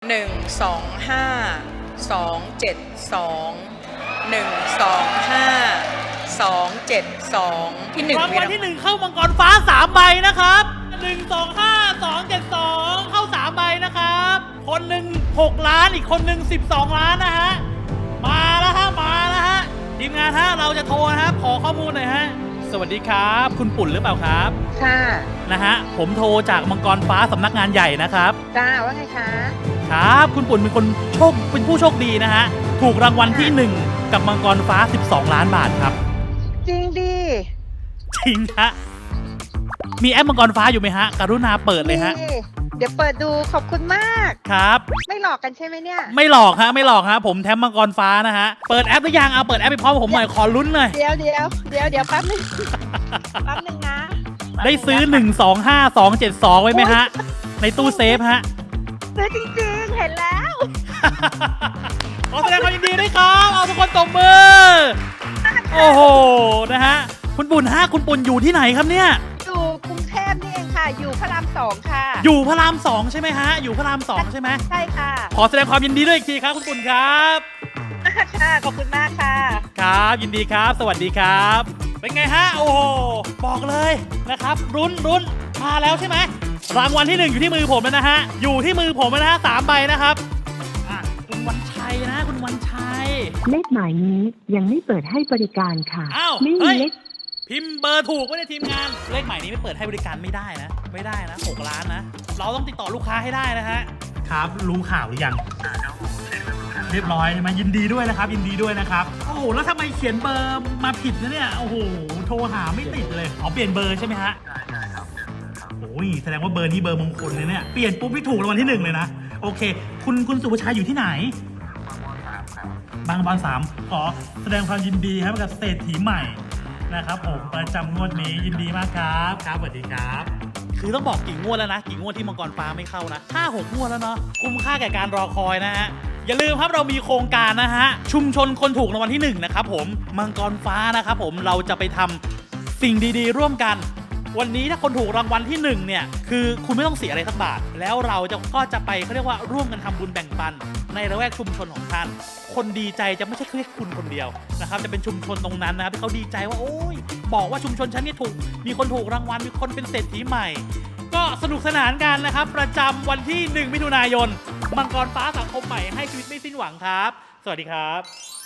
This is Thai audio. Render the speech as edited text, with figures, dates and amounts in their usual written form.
ที่1 รางวัลที่1เข้ามังกรฟ้า3ใบนะครับ125272เข้า3ใบนะครับคนหนึ่ง6ล้านอีกคนหนึ่ง12ล้านนะฮะมาแล้วฮะทีมงานฮะเราจะโทรนะครับขอข้อมูลหน่อยฮะสวัสดีครับคุณปุ่นหรือเปล่าครับค่ะนะฮะผมโทรจากมังกรฟ้าสำนักงานใหญ่นะครับจ้าว่าไงคะครับคุณปุ่นเป็นผู้โชคดีนะฮะถูกรางวัลที่1กับมังกรฟ้า12ล้านบาทครับจริงดิจริงฮะมีแอปมังกรฟ้าอยู่ไหมฮะกรุณาเปิดเลยฮะเดี๋ยวเปิดดูขอบคุณมากครับไม่หลอกกันใช่ไหมเนี่ยไม่หลอกฮะผมแทมมังกรฟ้านะฮะเปิดแอปหรือยังเอาเปิดแอปไปพร้อมกับผมหน่อยขอลุ้นหน่อยเดี๋ยวแป๊บนึงนะได้ซื้อ125272ไว้ไหมฮะในตู้เซฟฮะซื้อจริงๆเห็นแล้วขอแสดงความยินดีด้วยครับเอาทุกคนตบมือโอ้โหนะฮะคุณปุ่นอยู่ที่ไหนครับเนี่ยอยู่กรุงเทพนี่เองค่ะอยู่พระราม2ค่ะอยู่พระราม2ใช่ไหมฮะอยู่พระราม2ใช่ไหมใช่ค่ะขอแสดงความยินดีด้วยอีกทีครับคุณปุ่นครับค่ะขอบคุณมากค่ะครับยินดีครับสวัสดีครับเป็นไงฮะโอ้โหบอกเลยนะครับรุ้นมาแล้วใช่ไหมรางวัลที่1อยู่ที่มือผมแล้วนะฮะอยู่ที่มือผมนะฮะ3ใบนะครับคุณวันชัยนะคุณวันชัยเลขหมายนี้ยังไม่เปิดให้บริการค่ะอ้าวไม่มีเลขพิมพ์เบอร์ถูกไว้ในทีมงานเลขหมายนี้ไม่เปิดให้บริการไม่ได้นะ6ล้านนะเราต้องติดต่อลูกค้าให้ได้นะฮะครับรู้ข่าวหรือยังเรียบร้อยใช่ไหมยินดีด้วยนะครับโอ้โหแล้วทำไมเขียนเบอร์มาผิดนะเนี่ยโอ้โหโทรหาไม่ติดเลยเปลี่ยนเบอร์ใช่ไหมฮะใช่ครับโอ้ยแสดงว่าเบอร์นี้เบอร์มงคลเลยเนี่ยเปลี่ยนปุ๊บที่ถูกรางวัลที่1เลยนะโอเคคุณสุภชัยอยู่ที่ไหนบางบอน3ขอแสดงความยินดีครับกับเศรษฐีใหม่นะครับผมประจำงวดนี้ยินดีมากครับสวัสดีครับคือต้องบอกกี่งวดแล้วนะกี่งวดที่มังกรฟ้าไม่เข้านะ5-6 งวดแล้วเนาะคุ้มค่าแก่การรอคอยนะฮะอย่าลืมครับเรามีโครงการนะฮะชุมชนคนถูกรางวัลที่1นะครับผมมังกรฟ้านะครับผมเราจะไปทำสิ่งดีๆร่วมกันวันนี้ถ้าคนถูกรางวัลที่1เนี่ยคือคุณไม่ต้องเสียอะไรสักบาทแล้วเราก็จะไปเขาเรียกว่าร่วมกันทำบุญแบ่งปันในละแวกชุมชนของท่านคนดีใจจะไม่ใช่แค่คุณคนเดียวนะครับจะเป็นชุมชนตรงนั้นนะครับที่เขาดีใจว่าโอ้ยบอกว่าชุมชนฉันนี่มีคนถูกรางวัลมีคนเป็นเศรษฐีใหม่ก็สนุกสนานกันนะครับประจำวันที่1 มิถุนายนมังกรฟ้าสังคมใหม่ให้ชีวิตไม่สิ้นหวังครับสวัสดีครับ